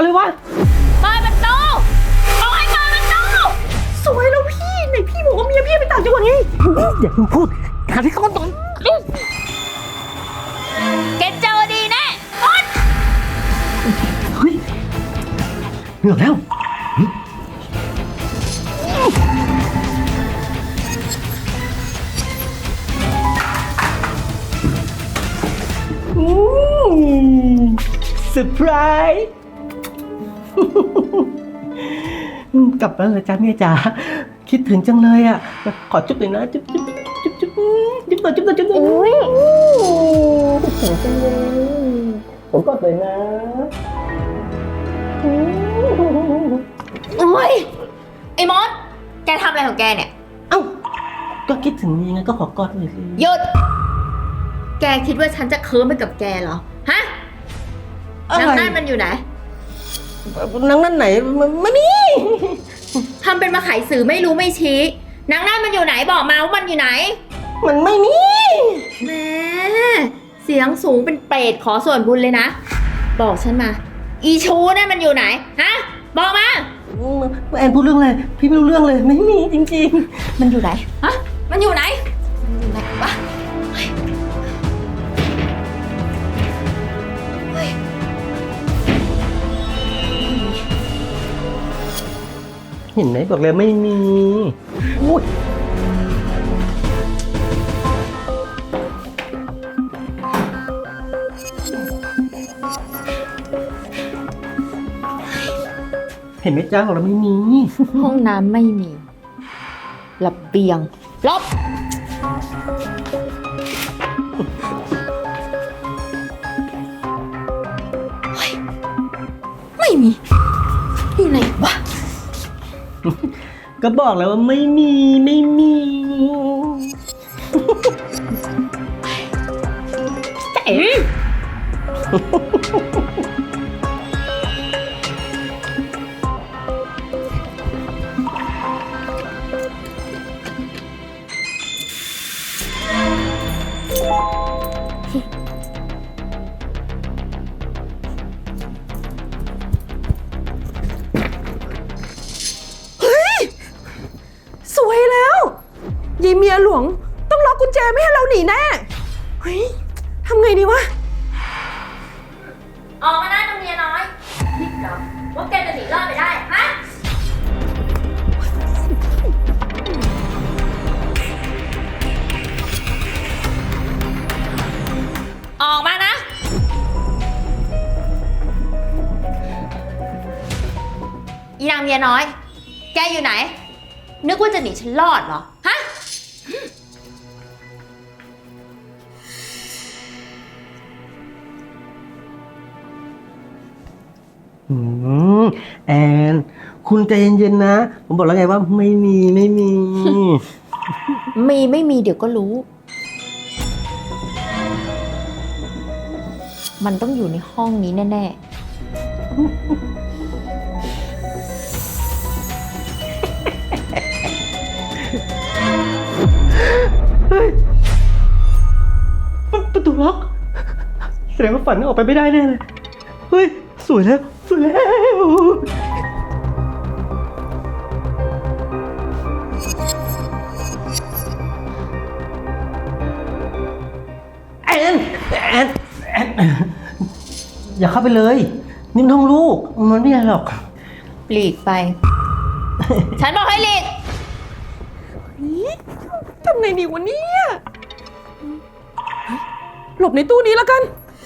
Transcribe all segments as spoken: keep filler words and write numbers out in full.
วะเปิดประตูบอกให้เปิดประตูสวยแล้วพี่ไหนพี่บอกว่าเมียพี่ไปต่างจังหวัดไงอย่าเพิ่งพูดหาที่ซ่อนก่อนแกเจอดีแน่มดเฮ้ยเหนื่อยแล้วเซอร์ไพรส์กลับมาเลยจ้าเมียจ๋าคิดถึงจังเลยอ่ะขอจุ๊บหน่อยนะจุ๊บจุ๊บจุ๊บจุ๊บจุ๊บหน่อยจุ๊บหน่อยจุ๊บหน่อยอุ้ยคิดถึงจังเลยผมกอดเลยนะโอ้ยไอ้มดแกทำอะไรของแกเนี่ยเอ้าก็คิดถึงนี่ไงก็ขอกอดหน่อยสิหยุดแกคิดว่าฉันจะเคิร์มไปกับแกเหรอฮะนางนั่นมันอยู่ไหนนางนั่นไหนไม่มีทำเป็นมาไขสื่อไม่รู้ไม่ชี้นางนั่นมันอยู่ไหนบอกมาว่ามันอยู่ไหนมันไม่มีแม่เสียงสูงเป็นเปรตขอส่วนบุญเลยนะบอกฉันมาอีชูนั่นมันอยู่ไหนฮะบอกมาแอนพูดเรื่องอะไรพี่ไม่รู้เรื่องเลยไม่มีจริงๆมันอยู่ไหนฮะมันอยู่ไหนมันอยู่ไหนวะเห็นไหมบอกเลยไม่มีอุ้ยเห็นไหมจ้าของเราไม่มีห้องน้ำไม่มีระเบียงลบไม่มีอยู่ไหนวะก็บอกแล้วว่าไม่มีไม่มีเจ๋งสวยแล้วยายเมียหลวงต้องล็อกกุญแจไม่ให้เราหนีแน่เฮ้ยทำไงดีวะออกมาหน้าตรงเมียน้อยคิดเหรอว่าแกจะหนีรอดไปได้ฮะออกมานะอีนางเมียน้อยแกอยู่ไหนนึกว่าจะหนีฉันรอดเหรอฮะอืมแอนคุณใจเย็นๆนะผมบอกแล้วไงว่าไม่มีไม่มีมีไม่มีเดี๋ยวก็รู้ มันต้องอยู่ในห้องนี้แน่ๆประตูล็อกแสดงว่าฝันออกไปไม่ได้แน่เลยเฮ้ยสวยแล้วสวยแล้วแอนแอนแอนอย่าเข้าไปเลยนี่มันห้องลูกมันไม่ใช่หรอกหลีกไป ฉันบอกให้หลีกทำไงดีวะเนี่ยหลบในตู้นี้แล้วกัน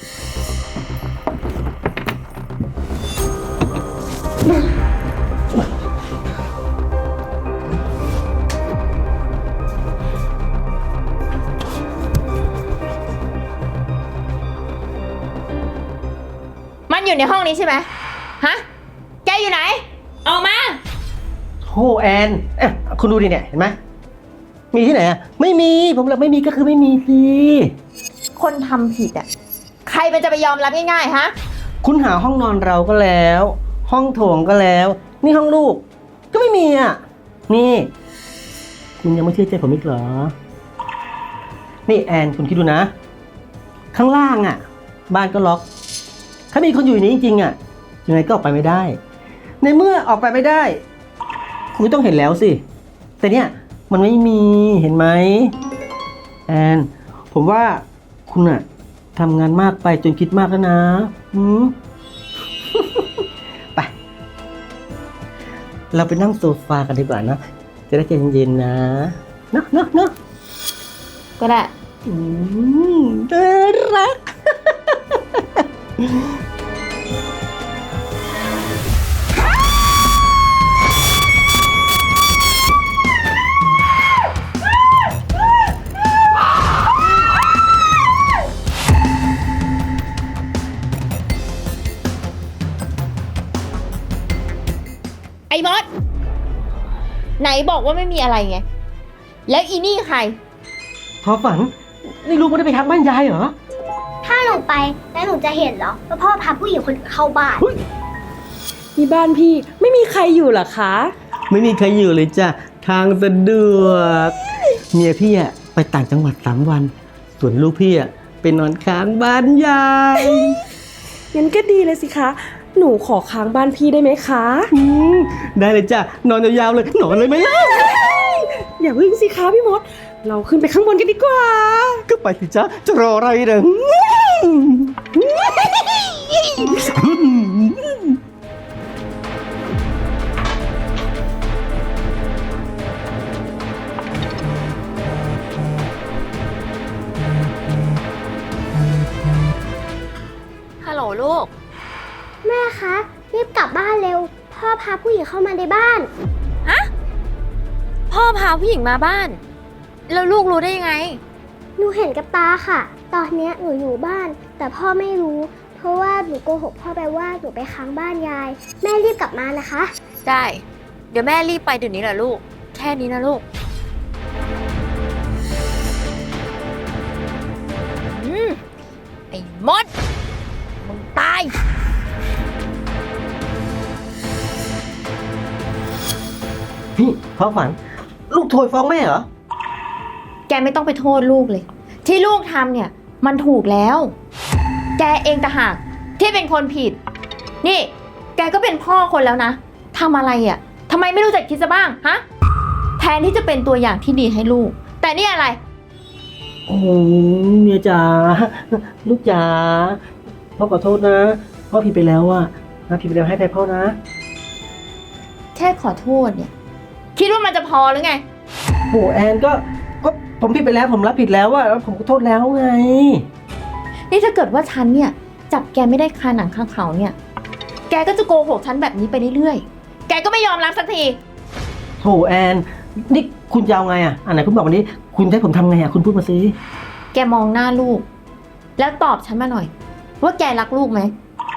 มันอยู่ในห้องนี้ใช่ไหมฮะแกอยู่ไหนออกมาโธ่แอนเอ๊ะคุณดูดิเนี่ยเห็นไหมมีที่ไหนอ่ะไม่มีผมบอกไม่มีก็คือไม่มีสิคนทำผิดอ่ะใครมันจะไปยอมรับง่ายๆฮะคุณหาห้องนอนเราก็แล้วห้องโถงก็แล้วนี่ห้องลูกก็ไม่มีอ่ะนี่คุณยังไม่เชื่อใจผมอีกเหรอนี่แอนคุณคิดดูนะข้างล่างอ่ะบ้านก็ล็อกถ้ามีคนอยู่ในนี้จริงๆอ่ะยังไงก็ออกไปไม่ได้ ในเมื่อออกไปไม่ได้ คุณก็ต้องเห็นแล้วสิ แต่เนี่ยมันไม่มีเห็นไหมแอนผมว่าคุณอะทำงานมากไปจนคิดมากแล้วนะอืม ไป เราไปนั่งโซฟากันดีกว่านะ จะได้ใจเย็นๆนะเนอะเนอะเนอะก็ได้อืมน่ารักไอ้มด ไหนบอกว่าไม่มีอะไรไง แล้วอีนี่ใครพอฝัน นี่ลูกไม่ได้ไปทักบ้านยายเหรอถ้าหนูไปแล้วหนูจะเห็นเหรอว่าพ่อพาผู้หญิงคนอื่นเข้าบ้านนี่บ้านพี่ไม่มีใครอยู่เหรอคะไม่มีใครอยู่เลยจ้ะ ทางสะดวก เมียพี่อะไปต่างจังหวัดสามวัน ส่วนลูกพี่อะไปนอนค้างบ้านยายงั้นก็ดีเลยสิคะ หนูขอค้างบ้านพี่ได้ไหมคะอืมได้เลยจ้ะ นอนยาวๆเลย นอนเลยไหมล่ะอย่าพึ่งสิคะพี่มด เราขึ้นไปข้างบนกันดีกว่าก็ไปสิจ้ะ จะรออะไรเด้อฮัลโหลลูกแม่คะรีบกลับบ้านเร็ว พ่อพาผู้หญิงเข้ามาในบ้านพ่อพาผู้หญิงมาบ้าน แล้วลูกรู้ได้ยังไงหนูเห็นกับตาค่ะ ตอนเนี้ยหนูอยู่บ้าน แต่พ่อไม่รู้ เพราะว่าหนูโกหกพ่อไปว่าหนูไปค้างบ้านยาย แม่รีบกลับมานะคะได้ เดี๋ยวแม่รีบไปเดี๋ยวนี้แหละลูก แค่นี้นะลูก อืม ไอ้มด มึงตายพี่พ่อฝัน ลูกโทรฟ้องแม่เหรอแกไม่ต้องไปโทษลูกเลย ที่ลูกทำเนี่ย มันถูกแล้ว แกเองต่างหากที่เป็นคนผิด นี่ แกก็เป็นพ่อคนแล้วนะทำอะไรอ่ะทำไมไม่รู้จักคิดซะบ้างฮะแทนที่จะเป็นตัวอย่างที่ดีให้ลูก แต่นี่อะไรโอ้โหเมียจ๋า ลูกจ๋า พ่อขอโทษนะ พ่อผิดไปแล้วอะนะผิดไปแล้วให้ไปพ่อนะแค่ขอโทษเนี่ย คิดว่ามันจะพอหรือไงโหแอนก็ ก็ผมผิดไปแล้วผมรับผิดแล้วอะแล้วผมขอโทษแล้วไงนี่ถ้าเกิดว่าฉันเนี่ย จับแกไม่ได้คาหนังคาเขาเนี่ย แกก็จะโกหกฉันแบบนี้ไปเรื่อยๆ แกก็ไม่ยอมรับสักทีโหแอน นี่คุณจะเอาไงอะอันไหนคุณบอกวันนี้ คุณจะให้ผมทำไงอะคุณพูดมาสิแกมองหน้าลูก แล้วตอบฉันมาหน่อย ว่าแกรักลูกไหม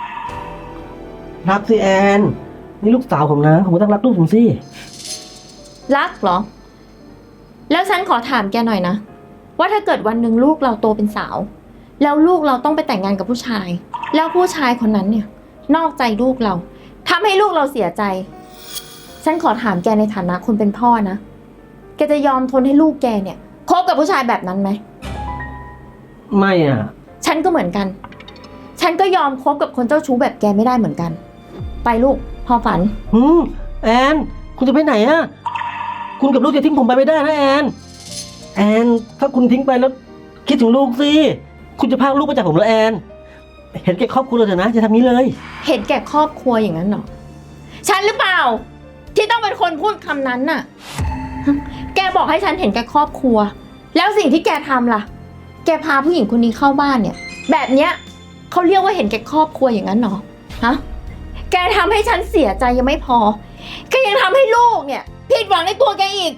รักสิแอน นี่ลูกสาวผมนะ ผมก็ต้องรักลูกผมสิรักเหรอ แล้วฉันขอถามแกหน่อยนะ ว่าถ้าเกิดวันหนึ่งลูกเราโตเป็นสาว แล้วลูกเราต้องไปแต่งงานกับผู้ชาย แล้วผู้ชายคนนั้นเนี่ย นอกใจลูกเราทำให้ลูกเราเสียใจ ฉันขอถามแกในฐานะคนเป็นพ่อนะ แกจะยอมทนให้ลูกแกเนี่ยคบกับผู้ชายแบบนั้นไหมไม่อะฉันก็เหมือนกัน ฉันก็ยอมคบกับคนเจ้าชู้แบบแกไม่ได้เหมือนกัน ไปลูกพอฝันหืมแอน คุณจะไปไหนอะคุณกับลูกจะทิ้งผมไปไม่ได้นะแอน แอน ถ้าคุณทิ้งไปแล้ว คิดถึงลูกสิ คุณจะพากลูกไปจากผมเหรอแอน เห็นแก่ครอบครัวเราเถอะนะจะทำนี้เลยเห็นแก่ครอบครัวอย่างนั้นเหรอ ฉันหรือเปล่า ที่ต้องเป็นคนพูดคำนั้นน่ะ แกบอกให้ฉันเห็นแก่ครอบครัว แล้วสิ่งที่แกทำล่ะ แกพาผู้หญิงคนนี้เข้าบ้านเนี่ย แบบเนี้ยเขาเรียกว่าเห็นแก่ครอบครัวอย่างนั้นเหรอ ฮะ แกทำให้ฉันเสียใจยังไม่พอ แกยังทำให้ลูกเนี่ยผิดหวังในตัวแกอีก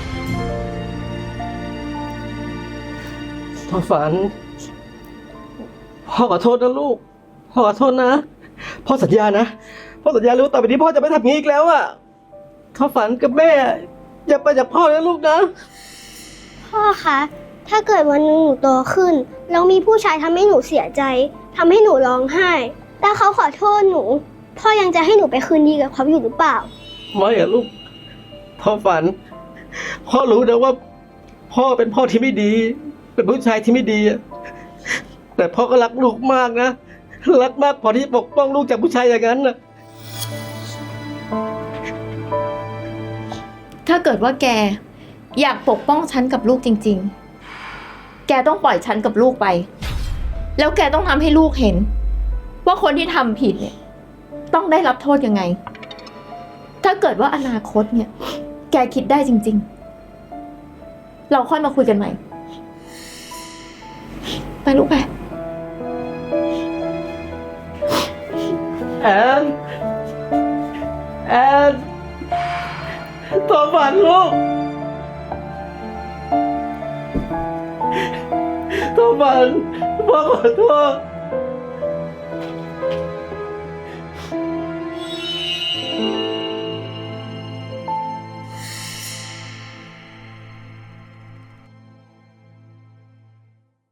พ่อฝัน พ่อขอโทษนะลูก พ่อขอโทษนะ พ่อสัญญานะ พ่อสัญญาเลยว่าต่อไปนี้พ่อจะไม่ทำอย่างนี้อีกแล้วอะพ่อฝันกับแม่อย่าไปจากพ่อนะลูกนะพ่อคะ ถ้าเกิดวันหนึงหนูโตขึ้น แล้วมีผู้ชายทำให้หนูเสียใจทำให้หนูร้องไห้แต่เขาขอโทษหนู พ่อยังจะให้หนูไปคืนดีกับเขาอยู่หรือเปล่าไม่อะลูก พ่อฝัน พ่อรู้นะว่า พ่อเป็นพ่อที่ไม่ดี เป็นผู้ชายที่ไม่ดีอะแต่พ่อก็รักลูกมากนะรักมากพอที่ปกป้องลูกจากผู้ชายอย่างนั้นน่ะถ้าเกิดว่าแกอยากปกป้องฉันกับลูกจริงๆ แกต้องปล่อยฉันกับลูกไป แล้วแกต้องทำให้ลูกเห็น ว่าคนที่ทำผิดเนี่ยต้องได้รับโทษยังไง ถ้าเกิดว่าอนาคตเนี่ย แกคิดได้จริงๆ เราค่อยมาคุยกันใหม่ ไปลูกไปแอนแอนโทษฝันลูกโทษฝันพ่อขอโทษ